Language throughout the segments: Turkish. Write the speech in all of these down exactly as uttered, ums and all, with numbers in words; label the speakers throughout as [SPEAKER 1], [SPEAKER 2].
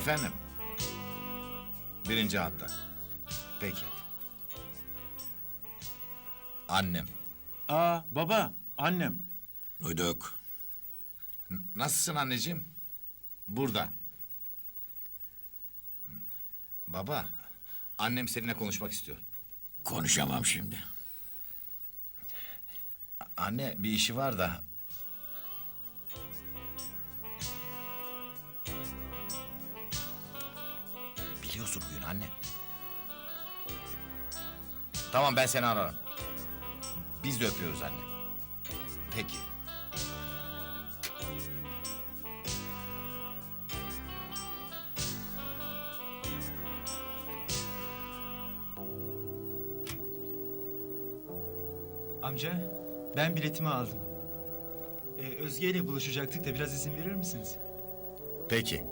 [SPEAKER 1] Efendim? Birinci hatta. Peki. Annem.
[SPEAKER 2] Aa baba, annem.
[SPEAKER 3] Duyduk.
[SPEAKER 1] N- Nasılsın anneciğim? Burada. Baba, annem seninle konuşmak istiyor.
[SPEAKER 3] Konuşamam şimdi.
[SPEAKER 1] A- Anne, bir işi var da. Biliyorsun huyunu anne. Tamam, ben seni ararım. Biz de öpüyoruz anne. Peki.
[SPEAKER 4] Amca, ben biletimi aldım. Ee, Özge ile buluşacaktık da biraz izin verir misiniz?
[SPEAKER 1] Peki.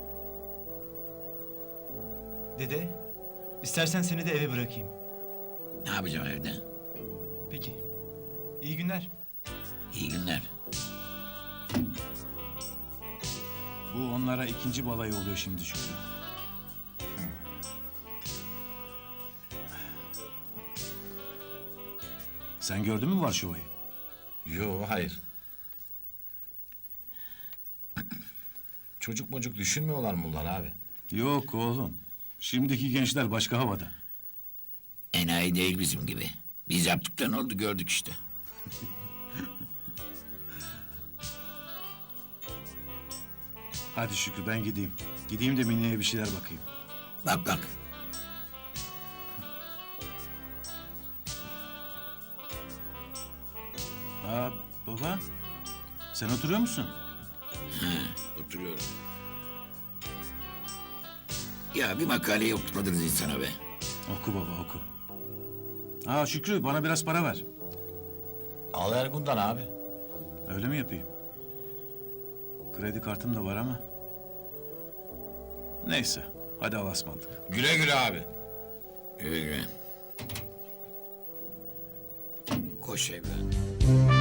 [SPEAKER 4] Dede, istersen seni de eve bırakayım.
[SPEAKER 3] Ne yapacağım evde?
[SPEAKER 4] Peki. İyi günler.
[SPEAKER 3] İyi günler.
[SPEAKER 2] Bu onlara ikinci balayı oluyor şimdi Şükrü. Sen gördün mü Varşova'yı?
[SPEAKER 1] Yo, hayır. Çocuk mocuk düşünmüyorlar mı bunlar abi?
[SPEAKER 2] Yok oğlum. Şimdiki gençler başka havada.
[SPEAKER 3] Enayi değil bizim gibi. Biz yaptıktan oldu gördük işte.
[SPEAKER 2] Hadi Şükrü ben gideyim. Gideyim de Mine'ye bir şeyler bakayım.
[SPEAKER 3] Bak bak.
[SPEAKER 2] Aa baba. Sen oturuyor musun?
[SPEAKER 3] Oturuyorum. Ya bir makaleyi okutmadınız insana be.
[SPEAKER 2] Oku baba oku. Aa Şükrü bana biraz para ver.
[SPEAKER 1] Al Ergun'dan abi.
[SPEAKER 2] Öyle mi yapayım? Kredi kartım da var ama. Neyse hadi Allah'a ısmarladık.
[SPEAKER 1] Güle güle abi.
[SPEAKER 3] Güle güle. Koş evladım.